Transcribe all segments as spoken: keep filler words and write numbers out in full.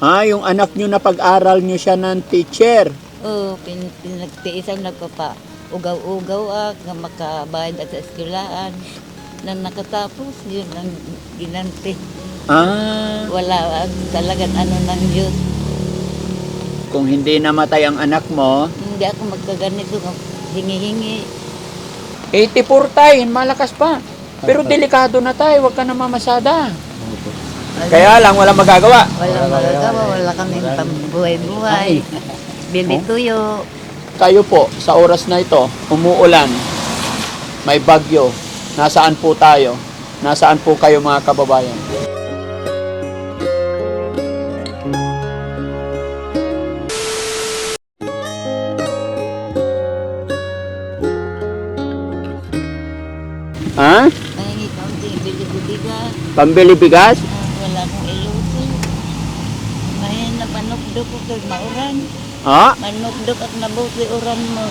Ah, yung anak nyo na pag-aral nyo siya ng teacher. Oo, pin, pinagtiisan nagpapa ugaw-ugaw ah, nga makabayad at sa eskwelahan. Nang nakatapos, yun ang ginanti. Ah, Wala ang talagang ano ng Diyos. kung hindi namatay ang anak mo. Hindi ako magkaganito, hingi-hingi. eighty-four tay, malakas pa. Pero delikado na tay, huwag ka na mamasada. Kaya lang, wala magagawa. Wala magagawa, wala kaming pambuhay-buhay. Bili tuyo. Kayo po, sa oras na ito, umuulan, may bagyo. Nasaan po tayo? Nasaan po kayo mga kababayan? Ha? Pahingi kaunting bili bigas. Pambili bigas? Ah, wala akong iluto. Mahin na panukdok ko kay mauran. Ha? Manukdok at nabuti uran mo.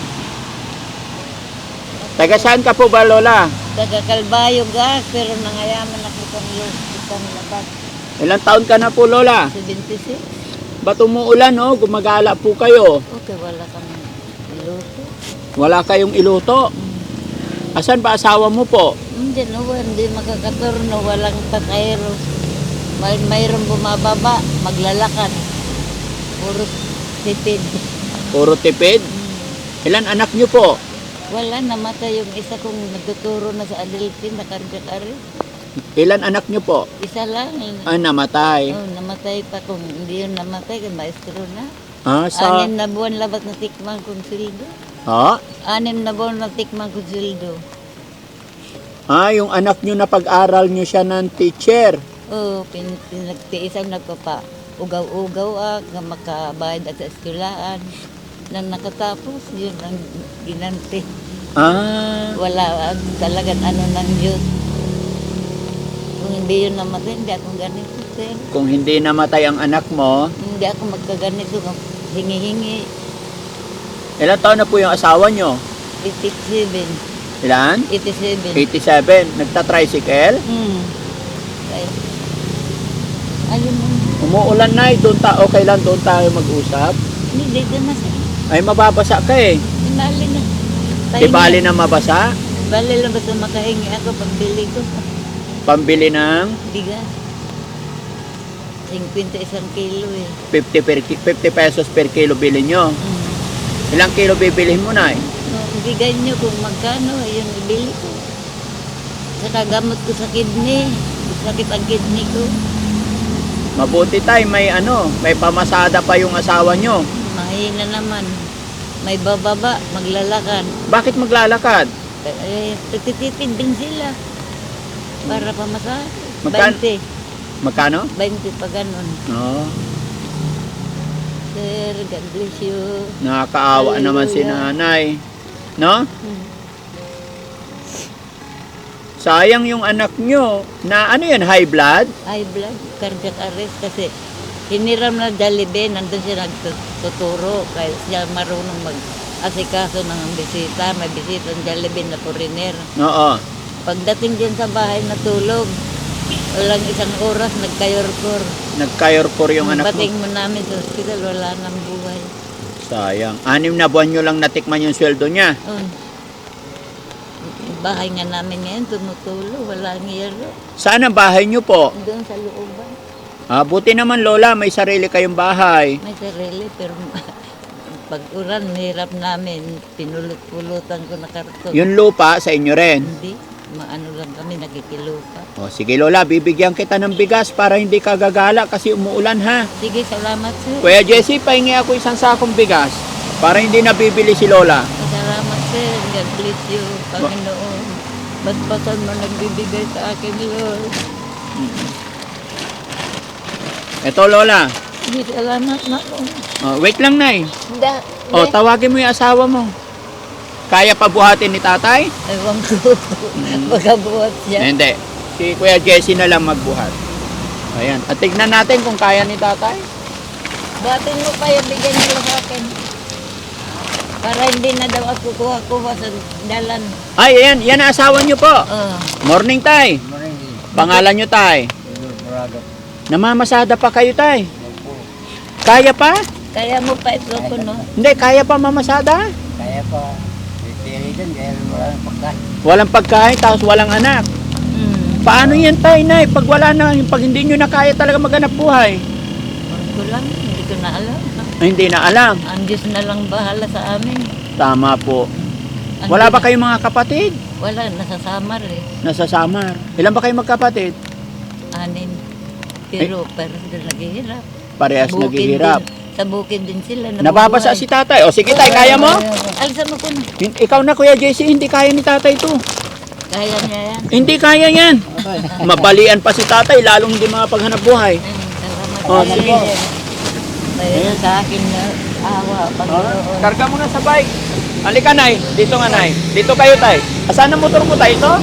Taga saan ka po ba, Lola? Taga-Kalbayo gas, pero nangayaman ako kang isang labas. Ilang taon ka na po, Lola? seventy-six. Ba't umuulan, no? Gumagala po kayo. Okay, wala kang iluto. Wala kayong iluto. Asan ba asawa mo po? Hindi, no, hindi makakaturno, walang tatayro. May, mayroong bumababa, maglalakad. Puro tipid. Puro tipid? Ilan anak nyo po? Wala, namatay yung isa kong nagtuturo na sa Adelphin, na cardiac arrest. Ilan anak nyo po? Isa lang. Ah, namatay. Oh, namatay pa kung hindi yun namatay, kay maestro na. Ah, sa... Anim na buwan labat na tikman kong sildo. Ha? Anim na buwan na tikman kong sildo. Ah, yung anak nyo na pag-aral nyo siya ng teacher. Oh, pin, pinagtiisan nagpapa ugaw-ugaw ah, nga makabayad at sa eskwelahan. Nang nakatapos, yun ang ginanti. Ah, Wala ang talagang ano ng Diyos. Kung hindi yun namatay, hindi ako ganito, sir. kung hindi namatay ang anak mo, Hindi ako magkaganito, hingi-hingi. ilan taon na po yung asawa nyo? eighty-seven. Ilan? eighty-seven. eighty-seven. Nagta-tricycle? Hmm. Ay, ayun mo. Umuulan na, doon ta okay lang doon tayo mag-usap. Hindi, dito na siya. Ay, mababasa ka eh. Inali na. Di bali na mabasa? Bali lang basta makahingi ako pambili ko. Pambili ng Bigas. fifty isang kilo eh. fifty, per, ki- fifty pesos per kilo bilhin nyo. Mm. Ilang kilo bibilihin mo na eh? So, bigay nyo kung magkano, ayun ibili ko. Saka gamot ko sa kidney. Sakit ang kidney ko. Mabuti tayo, may ano, may pamasada pa yung asawa nyo. Mahina naman. May bababa, maglalakad. Bakit maglalakad? Eh, titipid din sila. Para pamasahe. Magkan- twenty. Magkano? twenty pa ganun. Oo. Sir, God bless you. Nakakaawa naman si Hallelujah. nanay. No? Hmm. Sayang yung anak nyo. Na ano yan, high blood? High blood, cardiac arrest kasi hiniram na Jollibee, nandun siya nagtuturo kaya siya marunong mag-asikaso ng bisita, may bisita ng Jollibee na foreigner. Oo. Pagdating din sa bahay, natulog. Walang isang oras, nagkayorkor. Nagkayorkor yung anak mo. Bating mo namin sa hospital, wala nang buhay. Sayang. Anim na buwan nyo lang natikman yung sweldo niya. Oh. Bahay nga namin ngayon, tumutulo, wala ang yero. Saan ang bahay nyo po? Doon sa looban, Ah, buti naman Lola, may sarili kayong bahay. may sarili, pero pag uran, hirap namin, pinulot-pulutan ko na karton. Yung lupa sa inyo rin. Hindi, maano lang kami, nakikilupa. O sige Lola, bibigyan kita ng bigas para hindi ka gagala kasi umuulan ha. Sige, salamat sir. Kuya Jesse, pahingi ako isang sakong bigas para hindi nabibili si Lola. Salamat sir, God bless you, Panginoon. Basbasan mo nagbibigay sa akin, Lord. Eto Lola. Sige, salamat na po. Oh, wait lang Nay. Da, O, tawagin mo yung asawa mo. Kaya pa buhatin ni tatay? Ewan ko, magabuhat siya. Hindi. Si Kuya Jesse na lang magbuhat. Ayan. At tignan natin kung kaya ni tatay. Buhatin mo pa yung bigyan nila sa akin. Para hindi na daw ako kuha-kuha sa dalan. Ay, ayan. Yan ang asawa nyo po. Oh. Morning, tay. Pangalan nyo, tay. Namamasada pa kayo, tay. Kaya pa? Kaya mo pa ito ko, no? Hindi, kaya pa mamasada? Kaya pa. Pipili dyan dahil wala nang pagkain. Walang pagkain, tapos walang anak. Hmm. Paano yan tay, nay? Pag wala na, pag hindi nyo na kaya talaga maghanap buhay? Huwag ko lang, hindi ko na alam. Ay, hindi na alam. Ang Diyos na lang bahala sa amin. Tama po. Ang Wala Diyos- ba kayong mga kapatid? Wala, nasa Samar eh. Nasa Samar. Ilan ba kayong magkapatid? Anin. Pero parang sila naghihirap. Parehas Bukid naghihirap. din- Sa bukid din sila. Nababasa si tatay. O sige tay, kaya mo? Alsa mo ko na. Hin- Ikaw na Kuya J C, hindi kaya ni tatay to. Kaya niya yan. Hindi kaya yan. Mabalian pa si tatay, lalong hindi makapaghanap buhay. Ay, salamat Oh, sa sige. Lord. Mayroon sa akin na awa, Panginoon. Karga mo na sa bike. Halika nay, dito nga nay. Dito kayo tay. Asan ang motor mo tay ito?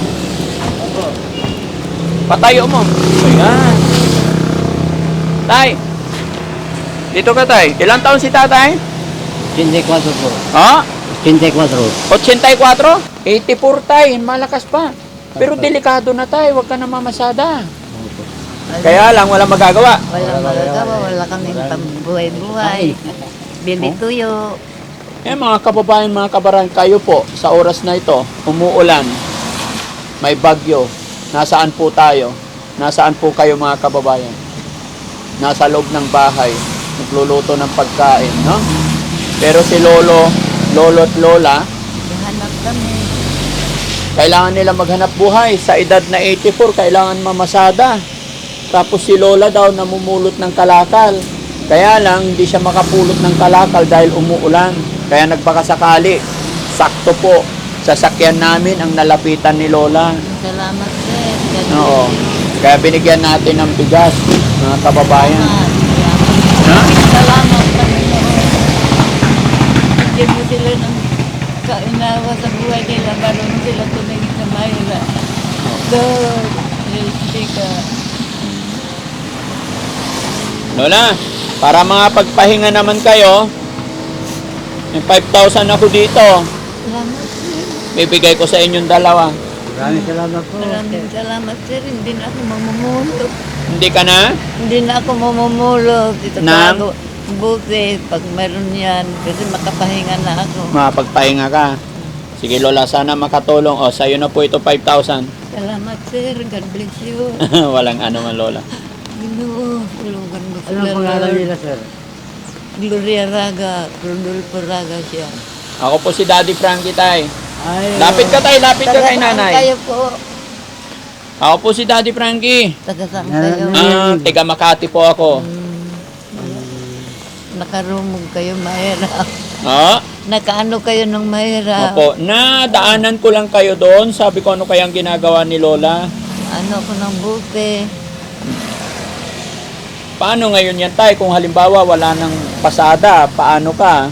Patayo mo. Ayan. Tay. Dito ka tay. Ilang taon si tatay? eighty-four po. Ha? eighty-four. eighty-four? eighty-four tay, malakas pa. Pero delikado na tay, huwag ka na mamasada. Kaya lang, walang magagawa. Wala magagawa, wala kaming pambuhay-buhay. Bili tuyo. Eh mga kababayan, mga kabaran, kayo po, sa oras na ito, umuulan, may bagyo, nasaan po tayo? Nasaan po kayo mga kababayan? Nasa loob ng bahay, nagluluto ng pagkain, no? Pero si Lolo, Lolo at Lola, Hanap kami. kailangan nila maghanap buhay. Sa edad na eighty-four, kailangan mamasada. Tapos si Lola daw namumulot ng kalakal. Kaya lang, hindi siya makapulot ng kalakal dahil umuulan. Kaya nagpakasakali, sakto po, sasakyan namin ang nalapitan ni Lola. Salamat, sir. God Oo. bless you. Kaya binigyan natin ng bigas, mga kababayan. Salamat. Ha? Salamat, Panginoon. Bigyan mo sila ng kainawa sa buhay nila. Marunong sila tumingin sa mahira. Lord, help ka. Lola, para mga pagpahinga naman kayo, may five thousand ako dito. Salamat, sir. Bibigay ko sa inyong dalawa. Maraming salamat po. Maraming salamat, sir. Hindi na ako mamumulo. Hindi ka na? Hindi na ako mamumulo. Dito Nang? ako. Buti, pag meron yan, kasi makapahinga na ako. Makapagpahinga ka. Sige Lola, sana makatulong. O, sa'yo na po ito five thousand. Salamat, sir. God bless you. Walang ano man Lola. Ginoo, tulungan mo Anong sila, pangalan Lord. nila, sir? Gloria Raga, Rodolfo Raga siya. Ako po si Daddy Frankie tay. Ay, Lapit ka tay, lapit ka Taga kay saan nanay. kayo po? Ako po si Daddy Frankie. Taga saan Ah, kayo? Ah, tiga Makati po ako. Nakarumog kayo, mahirap. Ah, Nakaano kayo ng mahirap. opo. Na daanan ko lang kayo doon. Sabi ko ano kayang ginagawa ni Lola. Ano ko ng buti. Paano ngayon yan tay? Kung halimbawa wala nang pasada, paano ka?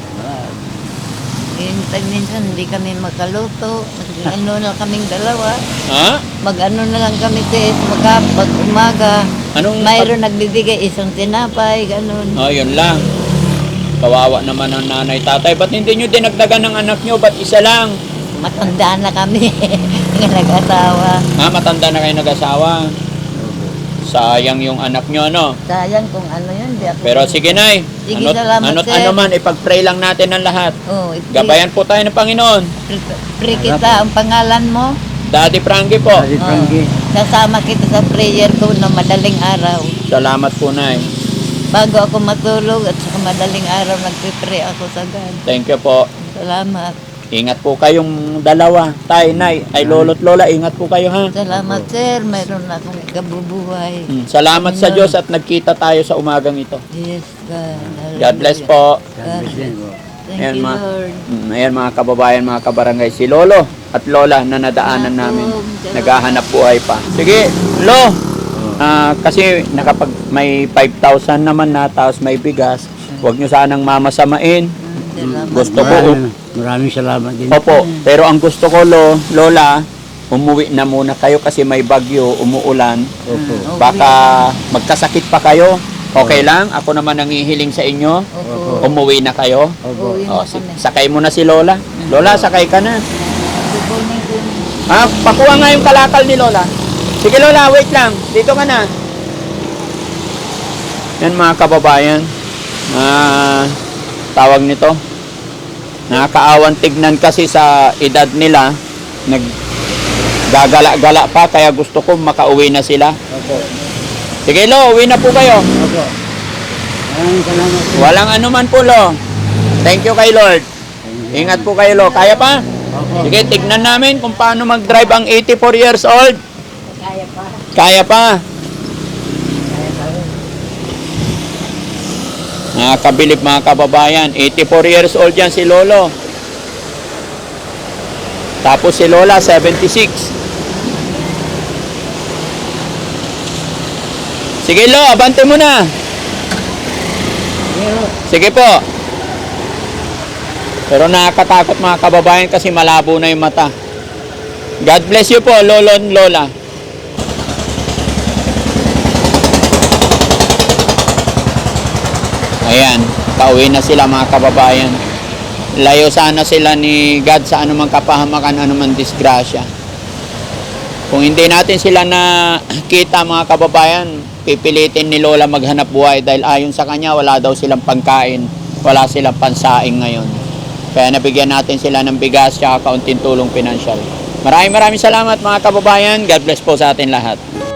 Hintay minsan hindi kami makaluto. Mag-ano na kaming dalawa. Ha? Mag-ano na lang kami sis. Magkapag umaga. Anong Mayroon nagbibigay isang tinapay, ganun. Oh, yun lang. Kawawa naman ang nanay tatay. Ba't hindi nyo dinagdagan ng anak nyo? Ba't isa lang? Matanda na kami. Nga nag-asawa. Ha? Matanda na kayo nag-asawa. Sayang yung anak nyo, ano? Sayang kung ano yun. Di ako Pero sige, Nay. Sige, Ano, salamat, ano, sir. ano man, ipag-pray lang natin ang lahat. Oh, ipre- Gabayan po tayo ng Panginoon. pre- pre kita ang pangalan mo. Daddy Frankie po. Daddy Frankie. Sasama kita sa prayer ko na madaling araw. Salamat po, Nay. Bago ako matulog at sa madaling araw nagpipray ako sa God. Thank you po. Salamat. Ingat po kayong dalawa. Tay, Nay. Ay, lolo't lola, ingat po kayo, ha? Salamat sir. Mayroon na akong kabubuhay. Mm, Salamat sa Diyos at nagkita tayo sa umagang ito. Yes, God. God bless po. God bless din po. Thank Ayan, you, ma. Lord. Mm, ayan mga kababayan, mga kabarangay, si Lolo at Lola na nadaanan namin. Naghahanap buhay pa. Sige, Lo. Ah, kasi nakapag may five thousand naman na tapos may bigas. Huwag nyo sanang mamasamain. Salamat. Gusto ko, Maraming, maraming salamat din. opo, pero ang gusto ko, Lo, Lola, umuwi na muna kayo kasi may bagyo, umuulan. Opo. Mm, Baka magkasakit pa kayo. Okay lang? Ako naman nangihiling sa inyo. Opo. Umuwi na kayo. Opo. Uwi O, na si- kami. sakay mo na si Lola. Lola, sakay ka na. Kukunin ko yun. Ha? Pakuha nga yung kalakal ni Lola. Sige Lola, wait lang. Dito ka na. Yan mga kababayan. ah, tawag nito, nakakaawan tignan kasi sa edad nila, naggagala-gala pa, kaya gusto ko makauwi na sila. Opo. Sige Lo, uwi na po kayo. Opo. Maraming salamat po. Walang anuman po Lo. Thank you kay Lord. Ingat po kayo Lo. Kaya pa? Opo. Sige, tignan namin kung paano mag-drive ang eighty-four years old. Kaya pa. Kaya pa. Nakakabilib mga kababayan. eighty-four years old yan si Lolo. Tapos si Lola, seventy-six. Sige Lo, abante mo na. Sige po. Pero nakakatakot mga kababayan kasi malabo na yung mata. God bless you po, Lolo and Lola. Ayan, pauwi na sila mga kababayan. Layo sana sila ni God sa anumang kapahamakan, anumang disgrasya. Kung hindi natin sila nakita mga kababayan, pipilitin ni Lola maghanap buhay dahil ayon sa kanya wala daw silang pangkain, wala silang pansaing ngayon. Kaya nabigyan natin sila ng bigas at kaunting tulong pinansyal. Maraming maraming salamat mga kababayan. God bless po sa atin lahat.